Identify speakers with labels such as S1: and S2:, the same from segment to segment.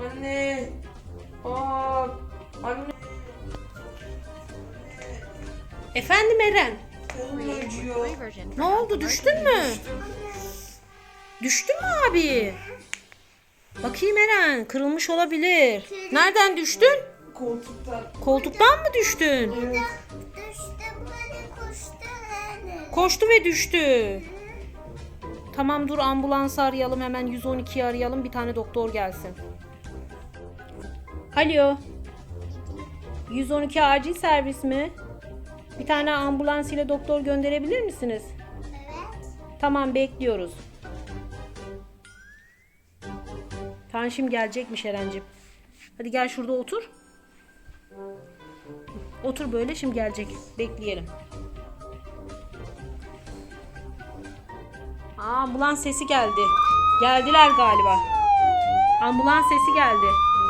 S1: Anne. Aa, anne.
S2: Efendim Eren.
S1: Kolum acıyor.
S2: Ne oldu, düştün mü? Düştün mü abi? Bakayım Eren, kırılmış olabilir. Nereden düştün?
S1: Koltuktan.
S2: Koltuktan mı düştün?
S1: Evet.
S3: Düştüm böyle koştu yani.
S2: Koştu ve düştü. Tamam dur, ambulansı arayalım hemen, 112'yi arayalım, bir tane doktor gelsin. Alo. 112 acil servis mi? Bir tane ambulans ile doktor gönderebilir misiniz?
S3: Evet.
S2: Tamam, bekliyoruz. Tamam, şimdi gelecekmiş Erencim. Hadi gel şurada otur. Otur böyle, şimdi gelecek. Bekleyelim. Ambulans sesi geldi. Geldiler galiba. Ambulans sesi geldi.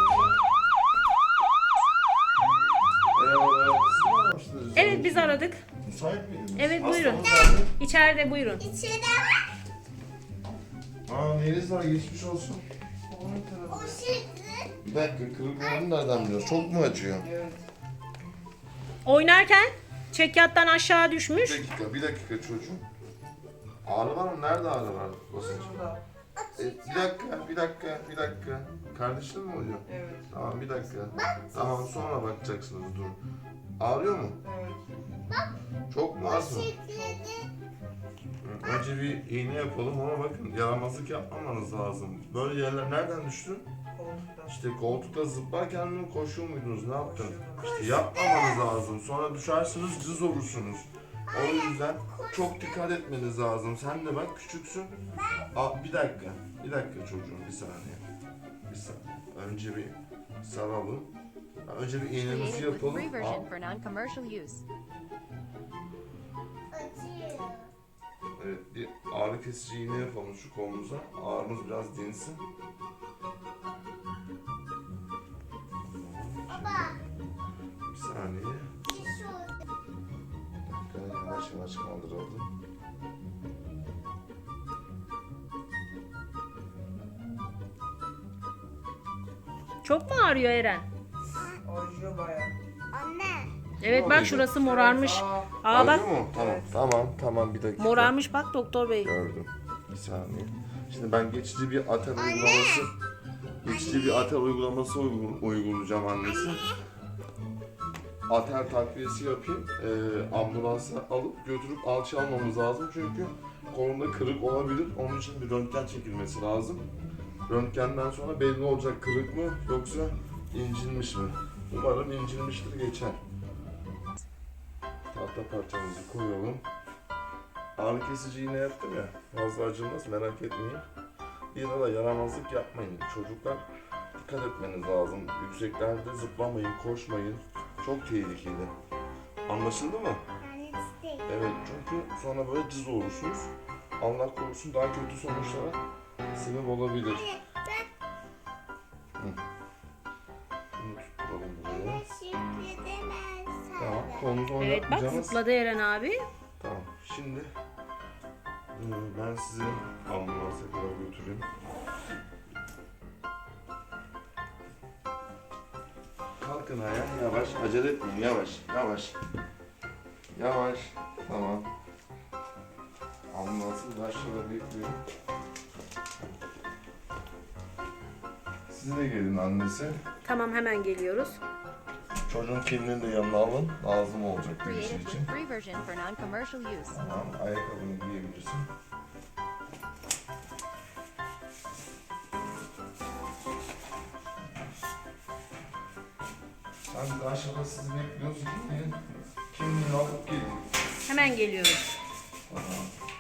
S4: Merhabalar. Siz mi aramıştınız?
S2: Evet, biz aradık.
S4: Müsait miydiniz?
S2: Evet, buyurun.
S4: Hastamız nerede?
S2: İçeride buyurun.
S3: İçeride var.
S4: Neyiniz var? Geçmiş olsun.
S1: Kolum
S3: O
S1: kırıldı.
S3: şekli.
S4: Bir dakika, kırık olduğunu nereden biliyorsun? Çok mu acıyor?
S1: Evet.
S2: Oynarken çekyattan aşağı düşmüş.
S4: Bir dakika çocuğum. Ağrı var mı? Nerede ağrı var? Basınç.
S1: Şurada.
S4: Bir dakika. Kardeşin mi oluyor?
S1: Evet.
S4: Tamam, bir dakika. Tamam, sonra bakacaksınız, dur. Ağrıyor mu?
S1: Evet.
S4: Çok mu, az mı?
S3: Şekledi.
S4: Önce bir iğne yapalım ama bakın, yaramazlık yapmamanız lazım. Böyle yerler nereden düştün?
S1: Koltuktan.
S4: İşte koltukta zıplarken mi koşuyor muydunuz? Ne yaptın? İşte yapmamanız lazım. Sonra düşersiniz, cız olursunuz. O yüzden çok dikkat etmeniz lazım. Sen de bak, küçüksün. Bir dakika çocuğum, bir saniye. Önce bir saralım. Önce bir iğnemizi
S5: Created with
S4: yapalım.
S5: free version for non-commercial use.
S3: Acıyor.
S4: Evet, bir ağrı kesici iğne yapalım şu kolumuza. Ağrımız biraz dinsin.
S3: Baba.
S4: Bir saniye.
S3: Diş oldu.
S4: Yavaş yavaş kaldıralım.
S2: Çok mu ağrıyor Eren?
S1: Acıyor bayağı.
S3: Anne.
S2: Evet, bak şurası morarmış. Aa bak,
S4: Acıyor mu? Tamam, bir dakika.
S2: morarmış bak doktor bey.
S4: Gördüm. Bir saniye. Şimdi ben geçici bir atel uygulaması uygulayacağım annesi. Atel takviyesi yapayım. Ambulansa alıp götürüp alçı almamız lazım çünkü kolunda kırık olabilir. Onun için bir röntgen çekilmesi lazım. Röntgenden sonra belli olacak, kırık mı yoksa incinmiş mi? Umarım incinmiştir, geçer. Tahta parçamızı koyalım. Ağrı kesici iğne yaptım ya, fazla acımaz, merak etmeyin. Yine de yaramazlık yapmayın. Çocuklar, dikkat etmeniz lazım. Yükseklerde zıplamayın, koşmayın. Çok tehlikeli. Anlaşıldı mı?
S3: Annesi.
S4: Evet, çünkü sonra böyle cız olursunuz. Allah korusun, daha kötü sonuçlara sebep olabilir. Hı. Bunu tutturalım buraya.
S3: Şekledemez.
S4: Tamam, kolumuzu
S2: Evet bak,
S4: oynatmayacağız.
S2: zıpladı Eren abi.
S4: Tamam, şimdi ben sizi ambulansa kadar götüreyim. Kalkın ayağa, yavaş, acele etmeyin, yavaş. Tamam. Ambulansın aşağıda bekliyor. Siz de gelin annesi.
S2: Tamam, hemen geliyoruz.
S4: Çocuğun kimliğini de yanına alın, lazım olacak bir
S5: Created
S4: şey
S5: with
S4: için.
S5: free version for non-commercial use.
S4: Tamam, ayakkabını giyebilirsin. Sen de aşağıda sizi bekliyoruz. Kimliğini alıp gelin.
S2: Hemen geliyoruz.
S4: Tamam.